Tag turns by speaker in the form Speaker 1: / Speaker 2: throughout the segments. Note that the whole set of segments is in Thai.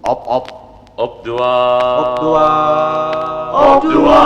Speaker 1: อบอบอบดัว
Speaker 2: อบดัว
Speaker 1: อบดัว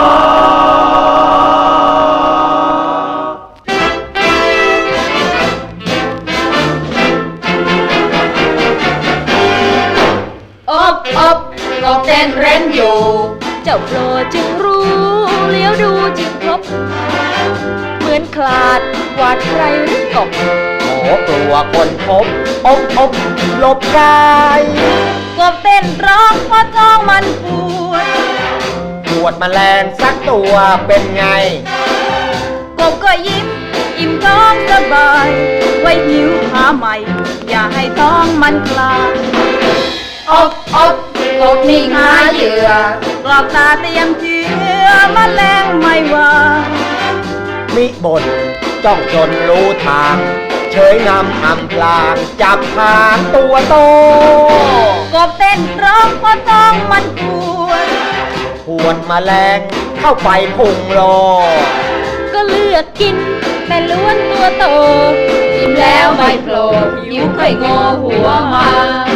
Speaker 3: อบกบเต้นเร้นอยู่เจ้าโปรดจึงรู้เลี้ยวดูจึงพบเหมือนคลาดกวาดใครหรือกบ
Speaker 2: โอ้กลัวคนพบอบหลบกาย
Speaker 3: กบเต้นร้องเพราะท้องมันปวด
Speaker 2: แมลงสักตัวเป็นไง
Speaker 3: กบก็ยิ้มอิ่มท้องสบายไว้หิวหาใหม่อย่าให้ท้องมันคลายอบกบนิ่งหาเหยื่อกรอกตาเตรียมเชื้อแมลงไม่ว่า
Speaker 2: มิบ่นจ้องจนรู้ทางเฉยงำอำพลางจับหางตัวโต
Speaker 3: กบเต้นร้องเพราะท้องมัน
Speaker 2: ปวดแมลงเข้าไปพุงโล
Speaker 3: ก็เลือกกินแต่ล้วนตัวโตอิ่มแล้วไม่โผล่หิวค่อยงอหัวมา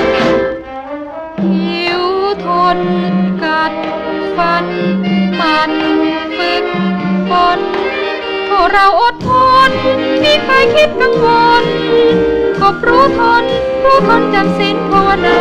Speaker 3: หิวทนกัดฟันมันฝึกฝนพวกเราอดทนมีใครคิดกังวลกบรู้ทนจำศีลภาวนา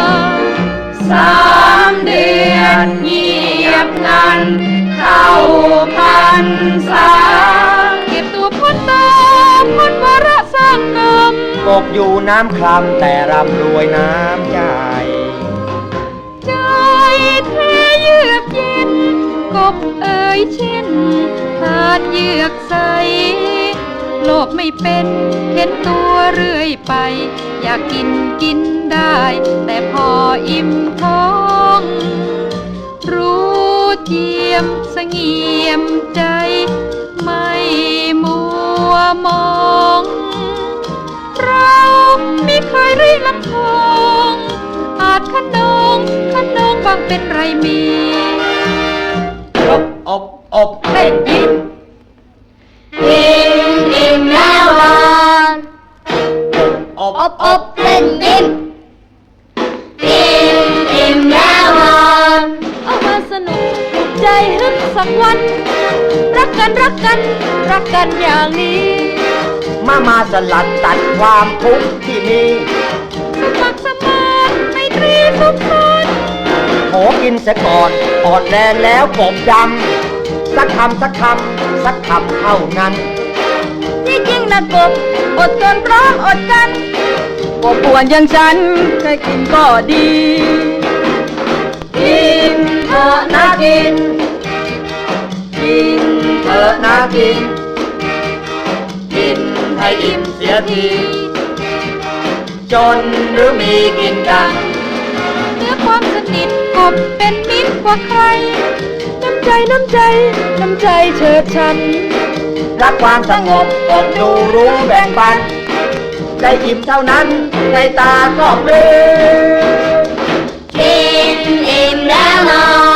Speaker 3: 3 เดือนเงียบงันเข้าพรรษาเก็บตัวพ้นตาพ้นวาระสร้างกรรม
Speaker 2: กบอยู่น้ำคลำแต่ร่ำรวยน้ำใจ
Speaker 3: ใจแท้เยือกเย็นกบเอ่ยเช่นขาดเยือกใสโลภไม่เป็นเห็นตัวเรื่อยไปอยากกินได้แต่พออิ่มท้องรู้เจียมเสงี่ยมใจไม่มัวมองเราไม่เคยรีลำทองอาจขนองบางเป็นไรมี
Speaker 2: อบเต้นยิ้ม
Speaker 3: อิ่มแล้วนอน
Speaker 2: อบ
Speaker 3: เต้นยิ้มอิ่มแล้วนอนเอามาสนุกใจฮึกสักวันรักกันอย่างนี้
Speaker 2: มาสลัดตัดความทุกข์ที่มี
Speaker 3: สมัครสมานไมตรีสุขสันต์
Speaker 2: ขอกินเสียก่อนอ่อนแรงแล้วกบดำสักคำเท่านั้น
Speaker 3: ที่จริงนะกบอดทนร้องอดกันกบป่วนอย่างฉันแค่กินก็ดีกินเถอะนะกิน
Speaker 2: เถอะนะกินให้อิ่มเสียทีจนหรือมีกินกัน
Speaker 3: เนื้อความสนิทกบเป็นมิตรกว่าใครน้ำใจเชิดฉัน
Speaker 2: รักความสงบกบดูรู้แบ่งปันได้อิ่มเท่านั้นในตาก็ปลื้ม
Speaker 3: กินอิ่มแล้วนอน